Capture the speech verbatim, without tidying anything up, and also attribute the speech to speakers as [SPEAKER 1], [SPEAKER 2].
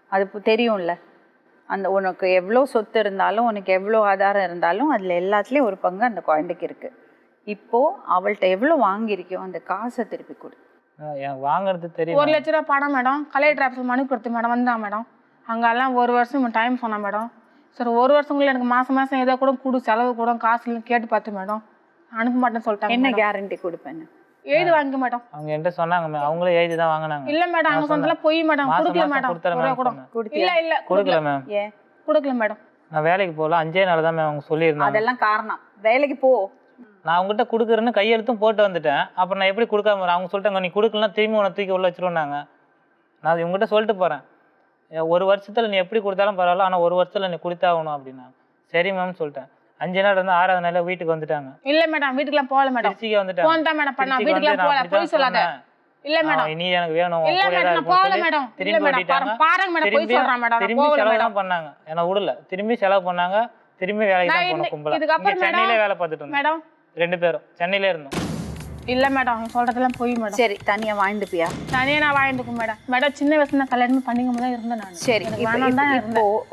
[SPEAKER 1] அது பு- தெரியும்ல. அந்த உனக்கு எவ்வளோ சொத்து இருந்தாலும் உனக்கு எவ்வளோ ஆதாரம் இருந்தாலும் அதில் எல்லாத்துலேயும் ஒரு பங்கு அந்த குழந்தைக்கு இருக்குது. இப்போது அவள்கிட்ட எவ்வளோ வாங்கியிருக்கியோ அந்த காசை திருப்பி கொடு.
[SPEAKER 2] எனக்கு வாங்குறது தெரியும்.
[SPEAKER 3] ஒரு லட்ச ரூபா பணம் மேடம். கலெக்டர் ஆஃபீஸில் மனு கொடுத்து மேடம் வந்தான் மேடம். அங்கெல்லாம் ஒரு வருஷம் டைம் சொன்னேன் மேடம். சரி ஒரு வருஷங்குள்ள எனக்கு மாதம் மாதம் ஏதோ கூட கொடு, செலவு கூட காசு கேட்டு பார்த்து மேடம் அனுப்ப மாட்டேன்னு சொல்லிட்டாங்க.
[SPEAKER 1] என்ன கேரண்டி கொடுப்பேன்?
[SPEAKER 3] எழுதி வாங்க மேடம்.
[SPEAKER 2] அவங்க என்கிட்ட சொன்னாங்க, அவங்களே எழுதி தான் வாங்கினாங்க.
[SPEAKER 3] இல்ல மேடம், அவங்க சொந்தல போய் மேடம் கொடுக்கல மேடம். இல்ல இல்ல
[SPEAKER 2] கொடுக்கல மேம்.
[SPEAKER 1] ஏன்
[SPEAKER 3] கொடுக்கல மேடம்?
[SPEAKER 2] நான் வேலைக்கு போகல, அஞ்சே நாள் தான் மேம் அவங்க சொல்லியிருந்தாங்க.
[SPEAKER 1] அதெல்லாம் காரணம். வேலைக்கு போ.
[SPEAKER 2] நான் அவங்ககிட்ட கொடுக்குறேன்னு கையெழுத்தும் போட்டு வந்துட்டேன். அப்புறம் நான் எப்படி கொடுக்காம? அவங்க சொல்லிட்டாங்க நீ கொடுக்கலாம் திரும்பி உன்னை தூக்கி உள்ள வச்சிருவாங்க. நான் இவங்ககிட்ட சொல்லிட்டு போகிறேன், ஒரு வருஷத்தில் நீ எப்படி கொடுத்தாலும் பரவாயில்ல, ஆனால் ஒரு வருஷத்தில் நீ கொடுத்தாகணும் அப்படின்னா. சரி மேம் சொல்லிட்டேன். அஞ்சு நாள் இருந்து ஆறாவது நாள் வீட்டுக்கு வந்துட்டாங்க.
[SPEAKER 3] இல்ல மேடம், வீட்டுக்குலாம் போகல மேடம்.
[SPEAKER 2] திருச்சிக்கு வந்துட்டாங்க.
[SPEAKER 3] போன் தான் மேடம் பண்ணா, வீட்டுக்குலாம் போகல. போய் சொல்லாத. இல்ல மேடம்,
[SPEAKER 2] நீ எனக்கு வேணும்.
[SPEAKER 3] இல்ல மேடம் நான் போகல மேடம். இல்ல மேடம் பாருங்க மேடம், போய் சொல்றேன் மேடம்.
[SPEAKER 2] திரும்பி செலவு தான் பண்ணாங்க, என்ன விடல. திரும்பி செலவு பண்ணாங்க, திரும்பி வேலைக்கு தான் போன கும்பல.
[SPEAKER 3] இதுக்கப்புறம்
[SPEAKER 2] சென்னையில வேலை பார்த்துட்டு இருந்தோம்
[SPEAKER 3] மேடம்.
[SPEAKER 2] ரெண்டு பேரும் சென்னையில இருந்தோம்.
[SPEAKER 3] இல்ல மேடம் சொல்றதெல்லாம் போய் மேடம்.
[SPEAKER 1] சரி தனியா வாழ்ந்துப்பியா?
[SPEAKER 3] தனியா நான் வாழ்ந்துக்கும் மேடம். மேடம் சின்ன வயசுல கல்யாணம் பண்ணிக்கும் போது இருந்தேன் நான்.
[SPEAKER 1] சரி
[SPEAKER 3] வேணாம் தான்
[SPEAKER 1] இப்போ